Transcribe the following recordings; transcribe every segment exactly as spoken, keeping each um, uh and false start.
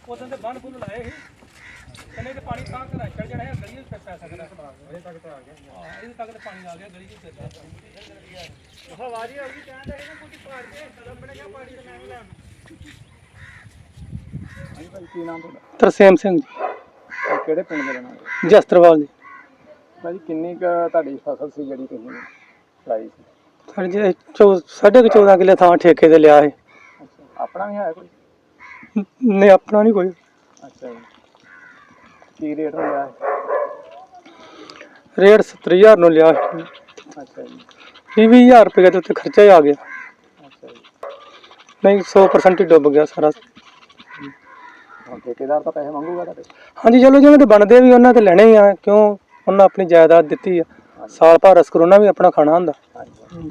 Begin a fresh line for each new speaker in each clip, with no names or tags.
ਉਦੋਂ ਤੇ ਬੰਨ ਬੁੱਲ ਲਾਏ ਸੀ ਕਹਿੰਦੇ ਤੇ ਪਾਣੀ ਤਾਂ ਘਰਾਂ ਚੜ ਜਾਣਾ ਹੈ ਗਲੀ ਵਿੱਚ ਪੈ ਸਕਦਾ ਇਹ ਤੱਕ ਤੇ ਆ ਗਿਆ ਹਾਂ ਇਹਦੇ ਤੱਕ ਤੇ ਪਾਣੀ ਆ ਗਿਆ ਗਲੀ ਵਿੱਚ ਪੈਂਦਾ ਹਵਾ ਜੀ ਆ ਗਈ ਕਹਿੰਦੇ ਇਹਨਾਂ ਕੁਝ ਪਾੜ ਕੇ ਕਦਮ ਬਣ ਗਿਆ ਪਾਣੀ ਤੇ ਮੈਂ ਵੀ ਲੈਣਾ ਹਾਂਜੀ ਭਾਈ ਕੀ ਨਾਮ ਤੁਹਾਡਾ? ਤਰਸੇਮ ਸਿੰਘ ਜੀ। ਕਿਹੜੇ ਪਿੰਡ ਦੇ ਰਹਿਣ ਵਾਲੇ? ਜਸਤਰਵਾਲ ਜੀ। ਭਾਜੀ ਕਿੰਨੀ ਕੁ ਤੁਹਾਡੀ ਫਸਲ ਸੀ ਜਿਹੜੀ ਤੁਸੀਂ ਲਾਈ ਸੀ? ਸਰ ਜੀ ਸਾਢੇ ਕੁ ਚੌਦਾਂ ਕਿੱਲੇ ਥਾਂ ਠੇਕੇ ਤੇ ਲਿਆ ਹੈ। ਅੱਛਾ ਆਪਣਾ ਵੀ ਹੈ ਕੋਈ? ਨਹੀਂ ਆਪਣਾ ਨਹੀਂ ਕੋਈ। ਅੱਛਾ ਜੀ ਕੀ ਰੇਟ ਹੋ ਲਿਆ? ਰੇਟ ਸੱਤਰ ਹਜ਼ਾਰ ਨੂੰ ਲਿਆ। ਅੱਛਾ ਜੀ ਵੀਹ ਵੀਹ ਹਜ਼ਾਰ ਰੁਪਏ ਦੇ ਉੱਤੇ ਖਰਚਾ ਹੀ ਆ ਗਿਆ। ਅੱਛਾ ਜੀ ਨਹੀਂ ਸੌ ਪਰਸੈਂਟ ਹੀ ਡੁੱਬ ਗਿਆ ਸਾਰਾ। ਠੇਕੇਦਾਰ ਤਾਂ ਪੈਸੇ ਮੰਗੂਗਾ ਤੁਹਾਡੇ? ਹਾਂਜੀ ਚਲੋ ਜਿਵੇਂ ਤੇ ਬਣਦੇ ਵੀ ਉਹਨਾਂ ਤੇ ਲੈਣੇ ਹੀ ਆ ਕਿਉਂ ਉਹਨਾਂ ਆਪਣੀ ਜਾਇਦਾਦ ਦਿੱਤੀ ਆ ਸਾਲ ਭਰ ਅਸਕਰ ਉਹਨਾਂ ਵੀ ਆਪਣਾ ਖਾਣਾ ਹੁੰਦਾ। ਹੁਣ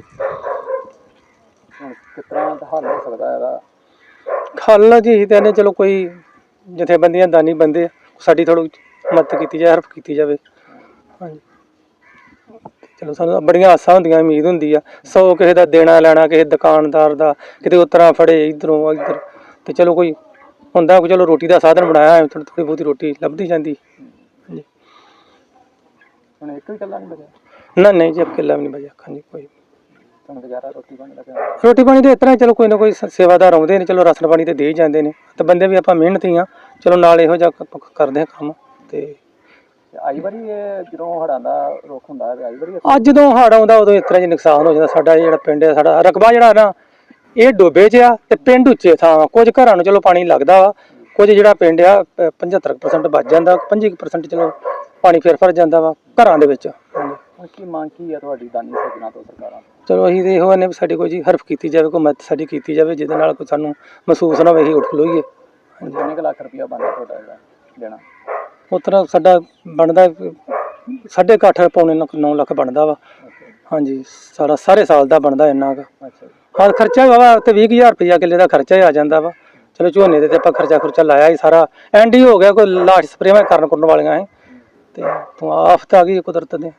ਕਿਸ ਤਰ੍ਹਾਂ ਦਾ ਹੱਲ ਹੋ ਸਕਦਾ ਇਹਦਾ? ਹੱਲ ਜੀ ਤੇ ਚਲੋ ਕੋਈ ਜਥੇਬੰਦੀਆਂ ਦਾਨੀ ਬੰਦੇ ਸਾਡੀ ਥੋੜ੍ਹੀ ਮਦਦ ਕੀਤੀ ਜਾਏ ਹੈਲਪ ਕੀਤੀ ਜਾਵੇ। ਹਾਂਜੀ ਚਲੋ ਸਾਨੂੰ ਬੜੀਆਂ ਆਸਾਂ ਹੁੰਦੀਆਂ ਉਮੀਦ ਹੁੰਦੀ ਆ ਸੌ ਕਿਸੇ ਦਾ ਦੇਣਾ ਲੈਣਾ ਕਿਸੇ ਦੁਕਾਨਦਾਰ ਦਾ ਕਿਤੇ ਉਤਰਾ ਫੜੇ ਇੱਧਰੋਂ ਇੱਧਰ ਤੇ ਚਲੋ ਕੋਈ ਹੁੰਦਾ ਚਲੋ ਰੋਟੀ ਦਾ ਸਾਧਨ ਬਣਾਇਆ ਥੋੜ੍ਹੀ ਬਹੁਤੀ ਰੋਟੀ ਲੱਭਦੀ ਜਾਂਦੀ। ਹਾਂਜੀ ਹੁਣ ਇੱਕ ਵੀ ਕਿੱਲਾ ਨਹੀਂ ਬਚਿਆ? ਨਾ ਨਹੀਂ ਜੀ ਕਿੱਲਾ ਵੀ ਨਹੀਂ ਬਚਿਆ। ਹਾਂਜੀ ਕੋਈ ਰੋਟੀ ਪਾਣੀ ਦਾ ਰੋਟੀ ਪਾਣੀ ਦੇ ਇਸ ਤਰ੍ਹਾਂ ਚਲੋ ਕੋਈ ਨਾ ਕੋਈ ਸੇਵਾਦਾਰ ਆਉਂਦੇ ਨੇ ਚਲੋ ਰਾਸ਼ਨ ਪਾਣੀ ਤੇ ਦੇ ਹੀ ਜਾਂਦੇ ਨੇ ਤੇ ਬੰਦੇ ਵੀ ਆਪਾਂ ਮਿਹਨਤੀ ਆ ਚਲੋ ਨਾਲ ਇਹੋ ਜਿਹਾ ਕਰਦੇ ਹਾਂ ਕੰਮ। ਤੇ ਆਈ ਵਾਰੀ ਜਦੋਂ ਹੜ੍ਹਾਂ ਦਾ ਰੁੱਖ ਹੁੰਦਾ ਆਈ ਵਾਰੀ ਅੱਜ ਜਦੋਂ ਹੜ੍ਹ ਆਉਂਦਾ ਉਦੋਂ ਇਸ ਤਰ੍ਹਾਂ ਜੀ ਨੁਕਸਾਨ ਹੋ ਜਾਂਦਾ। ਸਾਡਾ ਜਿਹੜਾ ਪਿੰਡ ਹੈ ਸਾਡਾ ਰਕਬਾ ਜਿਹੜਾ ਨਾ ਇਹ ਡੋਬੇ 'ਚ ਆ ਤੇ ਪਿੰਡ ਉੱਚੇ ਥਾਂ ਕੁਝ ਘਰਾਂ ਨੂੰ ਚਲੋ ਪਾਣੀ ਲੱਗਦਾ ਵਾ ਕੁਝ ਜਿਹੜਾ ਪਿੰਡ ਆ ਪਝੱਤਰ ਪ੍ਰਸੈਂਟ ਬਚ ਜਾਂਦਾ ਪੰਜੀ ਪ੍ਰਸੈਂਟ ਚਲੋ ਪਾਣੀ ਫਿਰ ਫਿਰ ਜਾਂਦਾ ਵਾ ਘਰਾਂ ਦੇ ਵਿੱਚ। ਕੀ ਮੰਗ ਕੀ ਆ ਤੁਹਾਡੀ ਦਾਨੀ ਸੱਜਣਾ ਤੋਂ ਸਰਕਾਰਾਂ? ਚਲੋ ਅਸੀਂ ਤੇ ਇਹੋ ਨੇ ਵੀ ਸਾਡੀ ਕੋਈ ਜੀ ਹੈਲਪ ਕੀਤੀ ਜਾਵੇ ਕੋਈ ਮਦਦ ਸਾਡੀ ਕੀਤੀ ਜਾਵੇ ਜਿਹਦੇ ਨਾਲ ਕੋਈ ਸਾਨੂੰ ਮਹਿਸੂਸ ਨਾ ਹੋਵੇ ਅਸੀਂ ਉੱਠ ਖਲੋਈਏ। ਕਿੰਨੇ ਕੁ ਲੱਖ ਰੁਪਇਆ ਬਣਦਾ ਤੁਹਾਡਾ ਜਿਹੜਾ ਦੇਣਾ? ਉਸ ਤਰ੍ਹਾਂ ਸਾਡਾ ਬਣਦਾ ਸਾਢੇ ਕੁ ਅੱਠ ਪੌਣੇ ਨੌ ਲੱਖ ਬਣਦਾ ਵਾ। ਹਾਂਜੀ ਸਾਰਾ ਸਾਰੇ ਸਾਲ ਦਾ ਬਣਦਾ ਇੰਨਾ ਕੁ। ਹਾਂ ਖਰਚਾ ਵਾ ਤੇ ਵੀਹ ਕੁ ਹਜ਼ਾਰ ਰੁਪਈਆ ਕਿੱਲੇ ਦਾ ਖਰਚਾ ਹੀ ਆ ਜਾਂਦਾ ਵਾ। ਚਲੋ ਝੋਨੇ ਦੇ ਤੇ ਆਪਾਂ ਖਰਚਾ ਖੁਰਚਾ ਲਾਇਆ ਸੀ ਸਾਰਾ ਐਂਡ ਹੀ ਹੋ ਗਿਆ ਕੋਈ ਲਾਸ਼ ਸਪਰੇਆਂ ਕਰਨ ਕੁਰਨ ਵਾਲੀਆਂ ਹੈ ਤੇ ਤੂੰ ਆਫਤ ਆ ਗਈ ਕੁਦਰਤ ਦੇ।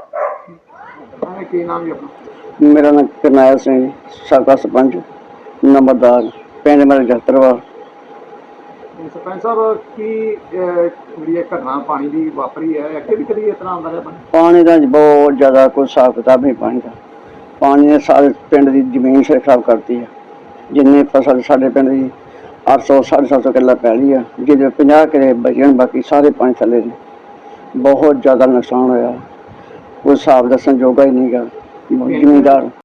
ਕੀ ਨਾਮ ਜੀ ਆਪਣਾ? ਮੇਰਾ ਨਾਮ ਕਰਨੈਲ ਸਿੰਘ ਸਾਬਕਾ ਸਰਪੰਚ ਨੰਬਰਦਾਰ ਪਿੰਡ ਮੇਰਾ ਜਸਤਰਵਾਲ। ਸਰਪੰਚ ਸਾਹਿਬ ਕੀ ਜਿਹੜੀ ਘਟਨਾ ਪਾਣੀ ਦੀ ਵਾਪਰੀ ਹੈ ਅੱਗੇ ਵੀ ਕਦੀ ਇਸ ਤਰ੍ਹਾਂ ਆਉਂਦਾ ਰਿਹਾ? ਪਾਣੀ ਦਾ ਬਹੁਤ ਜ਼ਿਆਦਾ ਕੋਈ ਹਿਸਾਬ ਕਿਤਾਬ ਨਹੀਂ ਪਾਣੀ ਦਾ। ਪਾਣੀ ਨੇ ਸਾਰੇ ਪਿੰਡ ਦੀ ਜ਼ਮੀਨ ਖਰਾਬ ਕਰਤੀ ਹੈ। ਜਿੰਨੀ ਫਸਲ ਸਾਡੇ ਪਿੰਡ ਦੀ ਅੱਠ ਸੌ ਸਾਢੇ ਸੱਤ ਸੌ ਕਿੱਲਾ ਪੈਲੀ ਆ ਜਿਹਦੇ ਪੰਜਾਹ ਕਿੱਲੇ ਬਚਣ ਬਾਕੀ ਸਾਰੇ ਪਾਣੀ ਥੱਲੇ ਨੇ। ਬਹੁਤ ਜ਼ਿਆਦਾ ਨੁਕਸਾਨ ਹੋਇਆ ਕੋਈ ਹਿਸਾਬ ਦੱਸਣ ਜੋਗਾ ਹੀ ਨਹੀਂ ਗਾ। ਜ਼ਿਮੀਂਦਾਰ